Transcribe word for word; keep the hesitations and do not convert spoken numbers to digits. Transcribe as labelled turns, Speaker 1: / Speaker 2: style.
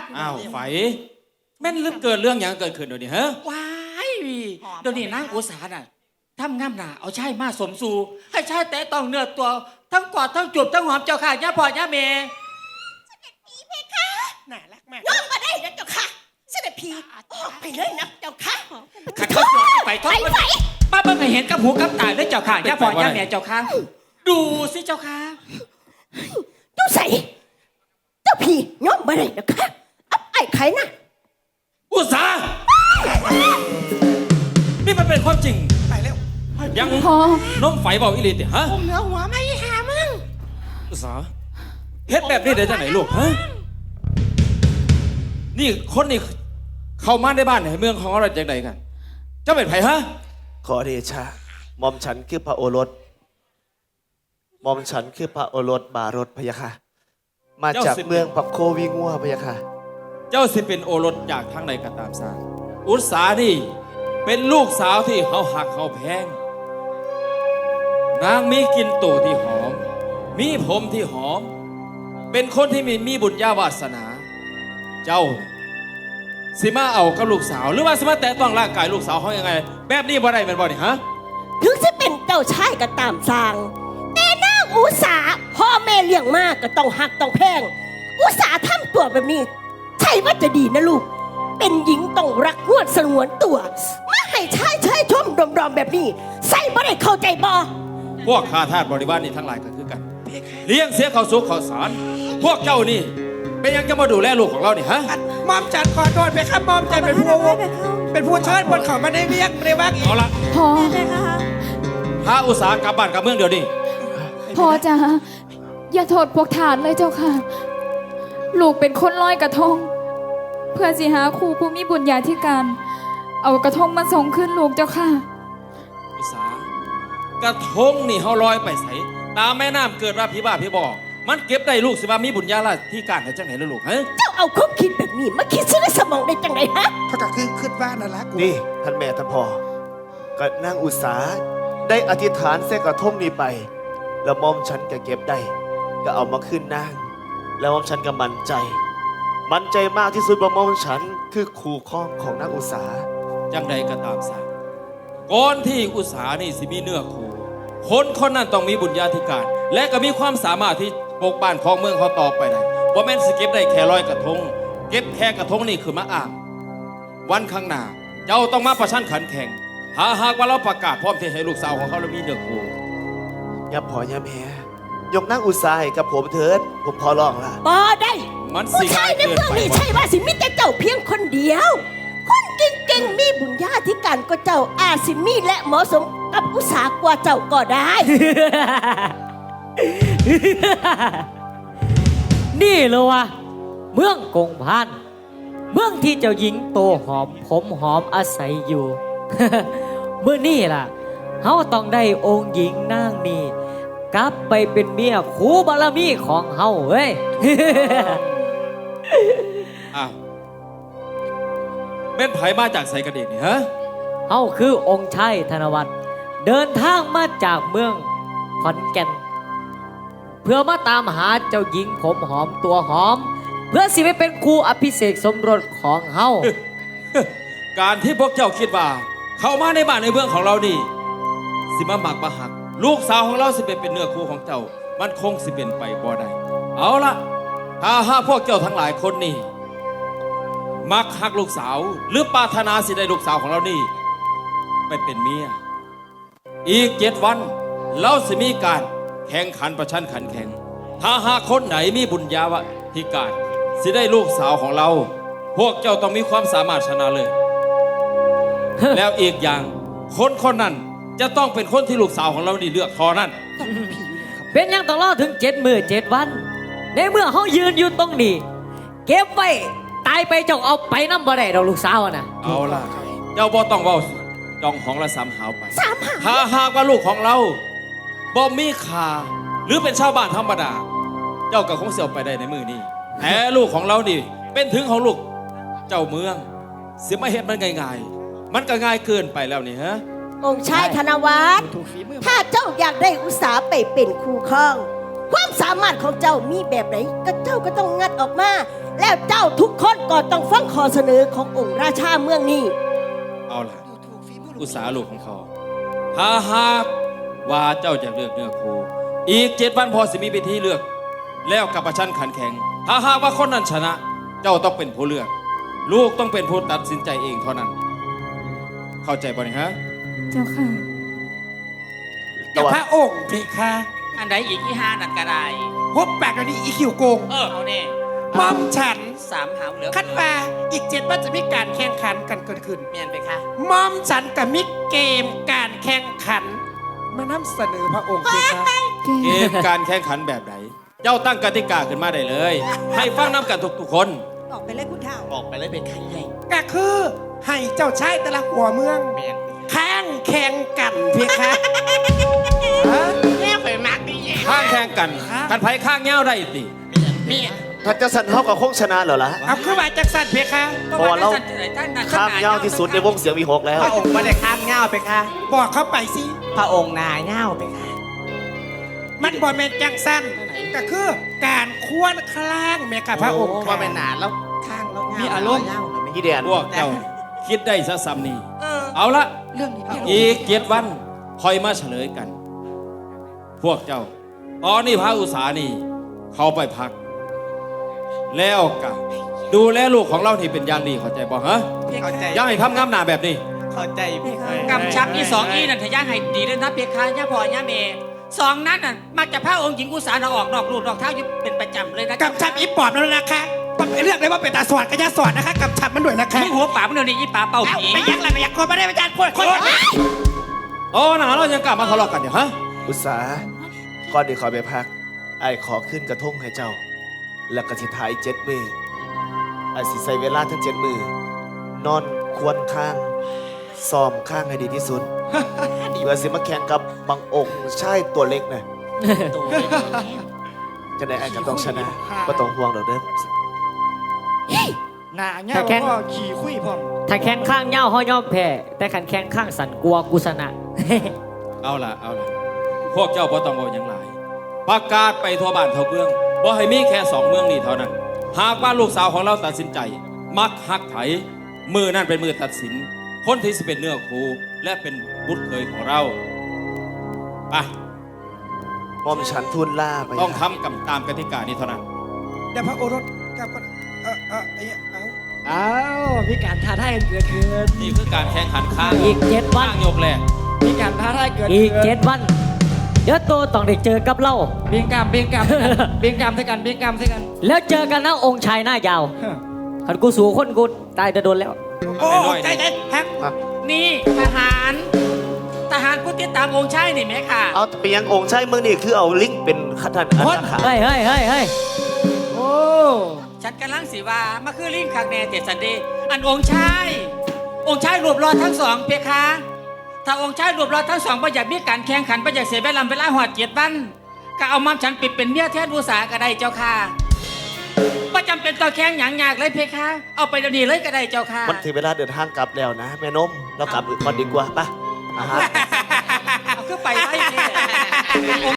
Speaker 1: อ้าวไฟแม่นลืมเกิดเรื่องอย่างเกิดขึ้นเดี๋ยวนี้ฮะ
Speaker 2: ว้ายเดี๋ยวนี้นางอุษาน่ะทำงามหนาเอาชายมาสมสู่ให้ชายแต่ต้องเนื้อตัวทั้งกอดทั้งจูบทั้งหอมเจ้าค่ะย่าพ่อย่าเมย์
Speaker 3: เสด็จพี่เพคะน่ารักมากย่อมมาได้นะเจ้าค่ะเสด็จพี่ออกไปเลยนะเจ้าค่ะ
Speaker 2: ขัดข้อสอบไปท้องไปป้าเบิ่งให้เห็นกับหูกับตาด้วยเจ้าค่ะย่าพ่อย่าเมย์เจ้าค่ะดูสิเจ้าค่ะ
Speaker 3: ดูใส่เจ้าพี่ย่อมมาได้นะค่ะอับไอ้ไข่น่ะ
Speaker 1: อุษานี่มันเป็นความจริง
Speaker 4: ไปแล้ว
Speaker 1: ยังน้มไฟบอกอิลิติฮะ
Speaker 3: ผมเหนือหัวไม่หามึง
Speaker 1: อุษาเฮ็ดแบบนี้ได้จากไหนลูกฮะนี่คนนี่เข้ามาในบ้านในเมืองของเราจากไหนกันเจ้าเป็นไผฮะ
Speaker 5: ขอเดชะหม่อมฉันคือพระโอรสหม่อมฉันคือพระโอรสบารถพะยะค่ะมาจากเมืองปักโควิงัวพะยะค่ะ
Speaker 1: เจ้าสิเป็นโอรสจากทางใดก็ตามสร้างอุษานี่เป็นลูกสาวที่เขาหักเขาแพงนางมีกลิ่นตัวที่หอมมีผมที่หอมเป็นคนที่มีมีบุญญาวาสนาเจ้าสิมาเอากับลูกสาวหรือว่าสิมาแตะต้องร่างกายลูกสาวเขายังไงแบบนี้บ่ได้เป็นบ่นี่ฮะ
Speaker 3: ถึงจะเป็นเจ้าชายก็ตามสร้างแต่นางอุษาพ่อแม่เลี้ยงมากก็ต้องหักต้องแพงอุษาทำตัวแบบนี้ใช่ว่าจะดีนะลูกเป็นหญิงต้องรักงวดสงวนตัวมาให้ชายชายชมดอมๆแบบนี้ใส่บ่ได้เข้าใจบ่
Speaker 1: พวกข้าทาสบริวารนี่ทั้งหลายก็คือกันเลี้ยงเสียข้าวสุกข้าวสารพวกเจ้านี่เป็นยังจะมาดูแลลูกของเรานี่ฮะ
Speaker 4: มอมจันขอโทษไปครับมอมจันเป็นผู้เป็นผู้เชิญบนเขามาได้เรียกในวัก
Speaker 1: เอาละ
Speaker 6: พ่อ
Speaker 1: พาอุตสาหกรรมบ้านกับเมืองเดี๋ยวนี้
Speaker 6: พ่อจ๋าอย่าโทษพวกทานเลยเจ้าค่ะ ลูกเป็นคนลอยกระทง เพื่อสิหาครูผู้มีบุญญาธิการ เอากระทงมาส่งขึ้นลูกเจ้าค่ะ
Speaker 1: อุตสาหกระทงนี่เขาลอยไปใส่ตามแม่น้ำเกิดว่าพี่บ้าพี่บอกมันเก็บได้ลูกสิว่ามีบุญญาลาที่การให้จังไหนล่ะลูกฮะ
Speaker 3: เจ้าเอาความคิดแบบนี้มาคิดซะในสมองได้จังไดฮะ
Speaker 4: เขาก็คือขึ้นบ้านนั่นละกู
Speaker 5: นี่ท่านแม่ท่านพ่อก็นางอุษาได้อธิษฐานเสกกระทงนี้ไป แล้วหม่อมฉันก็เก็บได้ ก็เอามาขึ้นนางแล้วหม่อมฉันก็มั่นใจ มั่นใจมากที่สุดว่าหม่อมฉันคือคู่ครองของนางอุษา
Speaker 1: จังใดก็ตามสาก่อนที่อุตสาหนี่สิมีเนื้อคู่คนคนนั้นต้องมีบุญญาธิการ และก็มีความสามารถที่ปกบ้านของเมืองเขาต่อไปได้ว่าแม่นสเก็บได้แค่ร้อยกระทงเก็บแค่กระทงนี่คือมาอ่างวันข้างหน้าเจ้าต้องมาประชันขันแข่งหาหากว่าเราประกาศพร้อมที่ให้ลูกสาวของเขาแล้วมีเนื้อคู่
Speaker 5: อย่าพออย่าแม่ยกนางอุษาให้กับผมเถิดผมขอร้องละ
Speaker 3: บ่ได้
Speaker 1: มัน
Speaker 3: ผู้
Speaker 1: สิ
Speaker 3: ชา
Speaker 1: ง่าย ย
Speaker 3: ใน
Speaker 1: เกิน
Speaker 3: เมือง
Speaker 1: ไป
Speaker 3: นี้ใช่ว่าสิมีแต่เจ้าเพียงคนเดียว คนเก่งๆมีบุญญาธิการก็เจ้าอาจสิมีและเหมาะสมกับอุตสาหกว่าเจ้าก็ได้
Speaker 7: นี่เลยวะเมืองกงพันเมืองที่เจ้าหญิงโตหอมผมหอมอาศัยอยู่ เมื่อนี่ล่ะเขาต้องได้องค์หญิงนางนี่กลับไปเป็นเมียคู่บารมีของเฮาเว้ย
Speaker 1: อ้าวแม่นไผมาจากไสกระเด็นนี่ฮะ
Speaker 7: เฮาคือองค์ชายธนวัฒน์เดินทางมาจากเมืองขอนแก่นเพื่อมาตามหาเจ้าหญิงผมหอมตัวหอม เพื่อสิไปเป็นครูอภิเษกสมรสของเฮา
Speaker 1: การที่พวกเจ้าคิดว่า เข้ามาในบ้านในเมืองของเรานี่สิมาหมักมาหัก ลูกสาวของเราสิเป็นเป็นเนื้อคู่ของเจ้า มันคงสิเป็นไปบ่ได้เอาละถ้าหากพวกเจ้าทั้งหลายคนนี่มักหักลูกสาว หรือปรารถนาสิได้ลูกสาวของเรานี่ไปเป็นเมียอีกเจ็ดวัน เราสิมีการแข่งขันประชันขันแข่ง ถ้าหากคนไหนมีบุญญาวะที่การสิได้ลูกสาวของเรา พวกเจ้าต้องมีความสามารถชนะเลย แล้วอีกอย่างคนคนนั้นจะต้องเป็นคนที่ลูกสาวของเรานี่เลือกทอนั่น
Speaker 7: เป็นยังต้องรอถึงเจ็ดมือเจ็ดวัน ในเมื่อเขายืนอยู่ตรงนี้ เก็บไว้ตายไปเจ้าเอาไปน้ำบ่ได้เราลูกสาวอะนะ
Speaker 1: เอาล่ะ เจ้าบ่ต้องเว้าจองของละสามหาวไป
Speaker 3: สามหาว
Speaker 1: ถ้าหากว่าลูกของเราบ่มีค่าหรือเป็นชาวบ้านธรรมดา เจ้าก็คงเสียไปได้ในมือนี้แต่ลูกของเรานี่เป็นถึงของลูกเจ้าเมืองเสียมาเห็นมันง่ายๆมันก็ง่ายเกินไปแล้วนี่ฮะ
Speaker 3: องค์ชายธนวัฒน์ถ้าเจ้าอยากได้อุตสาหไปเป็นคู่ครอง ความสามารถของเจ้ามีแบบไหนก็เจ้าก็ต้องงัดออกมาแล้วเจ้าทุกคนก็ต้องฟังข้อเสนอขององค์ราชาเมืองนี้
Speaker 1: เอาล่ะอุตสาหลูกของเขาถ้าหากว่าเจ้าจะเลือกเนื้อคู่อีกเจ็ดวันพอสิมีพิธีเลือก แล้วกับประชันขันแข่งถ้าหากว่าคนนั้นชนะ เจ้าต้องเป็นผู้เลือก ลูกต้องเป็นผู้ตัดสินใจเองเท่านั้น เข้าใจบ่เนี่ยฮะ
Speaker 6: เจ้าค่ะ
Speaker 4: แต่พระองค์เพคะ
Speaker 2: อันใดอีกที่ห้านั่นก็ได้
Speaker 4: พบปากกันนี้อีคิวโกง
Speaker 2: เออเอาแน่
Speaker 4: มอมฉัน
Speaker 2: สามหาวเหลือ
Speaker 4: คัดว่าอีกเจ็ดวันจะมีการแข่งขันกันเกิดขึ้น
Speaker 2: เมียนไปคะ
Speaker 4: มอมฉันกับมิเกมการแข่งขัน มานำเสนอพระองค์เพคะ
Speaker 1: เกมการแข่งขันแบบไหน เจ้าตั้งกติกาขึ้นมาได้เลย ให้ฟังน้ำกันทุกๆคน
Speaker 3: ออกไปเลยคุณเท่า
Speaker 2: ออกไปเลยเป็นใครใหญ่
Speaker 4: ก็คือให้เจ้าชายแต่ละหัวเมือง
Speaker 2: เมียน
Speaker 4: แข่งแข่งกันเพคะฮะ
Speaker 2: แม่ไปมักดี
Speaker 1: ข้างแข่งกันกันไผข้างเงี้ยวได้สิ
Speaker 2: เมียน
Speaker 5: ถ้าจะสันเขากับคงชนะเหรอล่ะ
Speaker 4: เอาขึ้นมาจากสันเพคะ
Speaker 5: เพราะว่าเรา ข้ามยาวที่สุดในวงเสียงวีหกแล้ว
Speaker 8: พระองค์ไม่ได้ข้ามเง่าไปค่ะ
Speaker 4: บอกเข้าไปสิ
Speaker 8: พระองค์นายเง่าไปค่ะ
Speaker 4: มันบอแมนจังสั้นก็คือการควรคล้างเมกะพระองค์
Speaker 8: ว่าเป็นหนาแล้วข้างแล้วเง่า
Speaker 4: มี
Speaker 8: มี
Speaker 4: อารมณ์
Speaker 5: พี่แดน
Speaker 1: พวกเจ้าคิดได้ซะซ้ำนี่
Speaker 2: เออ
Speaker 1: เอาละ
Speaker 2: เรื่องนี้พี่
Speaker 1: อีกเจ็ดวันคอยมาเฉลยกัน พวกเจ้า ตอนนี้พระอุตสานี่ เขาไปพัก แล้วกันดูแลลูกของเราที่เป็นอย่างดีเข้าใจบ่ฮะ
Speaker 8: เข้าใจ
Speaker 1: อย่าให้ทำงามหนาแบบนี้
Speaker 8: เข้าใจพี่ค่ะ
Speaker 2: กำชับที่สองอีนั่นทะย่าให้ดีเลยนะเพคะย่าพ่อย่าเมย์สองนั้นน่ะมักจะพาองค์หญิงอุสาเราออกนอกลูกนอกเท้าอยู่เป็นประจำเลยนะ
Speaker 4: กำชับอีปอบแล้วนะคะมันเป็นเรื่องเลยว่าเป็นตาสวดกับยาสวดนะคะกำชับมันด้วยนะคะ
Speaker 2: มึงหัวป่ามึงเดี๋ยวนี้อีป่าเป่า
Speaker 4: เอ้า
Speaker 2: ผี
Speaker 4: ไม่ยักอะไรไม่ยักคนไม่ได้ไม่ยักคนคน
Speaker 1: โอ้หนาเรายังกลับมาทะเลาะกันอยู่ฮะ
Speaker 5: อุตสาก่อนที่ขอไปพักไอ้ขอขึ้นกระทงให้เจ้า แล้วก็สิทายเจ็ดมือไอ้สิใส่เวลาทั้งเจ็ดมือนอนควรข้างซ้อมข้างให้ดีที่สุด เพื่อสิมาแข่งกับบางองค์ใช่ตัวเล็กน่ะจะได้ไอ้ก็ต้องชนะก็ต้องห่วงดอกเด้อ
Speaker 4: หน้าเงี้ย
Speaker 7: ถ้าแข่ง
Speaker 4: ก็ขี่คุยพร้อม
Speaker 7: ถ้าแข้งข้างเง่าห้อยย่อมแพ้แต่ขันแข้งข้างสันกลัวกุศนะ
Speaker 1: เอาล่ะเอาล่ะพวกเจ้าบ่ต้องบอกอย่างไรประกาศไปทั่วบ้านทั่วเมืองบ่ให้มีแค่สองเมืองนี้เท่านั้น หากว่าลูกสาวของเราตัดสินใจ มักฮักไผมือนั่นเป็นมือตัดสิน คนที่สิเป็นเนื้อคู่และเป็นบุตรเคยของเราไป
Speaker 5: มอมฉันทูลล่าไป
Speaker 1: ต้องทำกับตามกติกานี้เท่านั้น
Speaker 4: เดี๋ยวพระโอรสกลับก่อนเออเออไอ้เหี้ยเอา
Speaker 8: อ้าวมีการท้าทายกันเกิดขึ้น
Speaker 1: นี่คือการแข่งขันข้าง
Speaker 7: อีกเจ็ดวัน
Speaker 1: ข้างยกแรก
Speaker 8: มีการท้าทายเกิด
Speaker 7: อี
Speaker 8: ขึ้
Speaker 7: ก
Speaker 8: น
Speaker 7: เจ็ดวัน เดี๋ยวโตต้องได้เจอกับเรา
Speaker 8: เบียงกรรมเบียงกรรมเบียงกรรมใส่กันเบียงกรรมใส่กัน
Speaker 7: แล้วเจอกันนะองค์ชายหน้ายาวขันกูสู่คนกูตายจะโดนแล้ว
Speaker 4: โอ้ใจใจแฮก
Speaker 2: นี่ทหาร ทหารผู้ติดตามองค์ชายนี่ไหมค่ะ
Speaker 5: เอาเปียงองค์ใช่เมืองนี่คือเอาลิงก์เป็นขันทันอันขา
Speaker 7: เฮ้ยเฮ้ยเฮ้ยเฮ้ย
Speaker 8: โอ้
Speaker 2: ฉันกำลังสีว่ามาคือลิงคักแน่เจ็ดสันเดย์อันองค์ชายองค์ชายรวบรอทั้งสองเพคะถ้าองค์ชายรวบรอทั้งสองประหยัดมีการแข่งขันประหยัดเสียเวลาเวลาหอดเจ็ดวันก็เอามัมฉันปิดเป็นเมียแทนอุสาก็ได้เจ้าค่ะประจำเป็นต่อแข่งหยังยากเลยเพคะเอาไปเดี๋ยวนี้เลยก็ได้เจ้าค่ะ
Speaker 5: มันถึงเวลาเดินทางกลับแล้วนะ แม่นมเรากลับก่อนดีกว่าปะอาหาร
Speaker 2: เอาคือไปไว้เนี่ย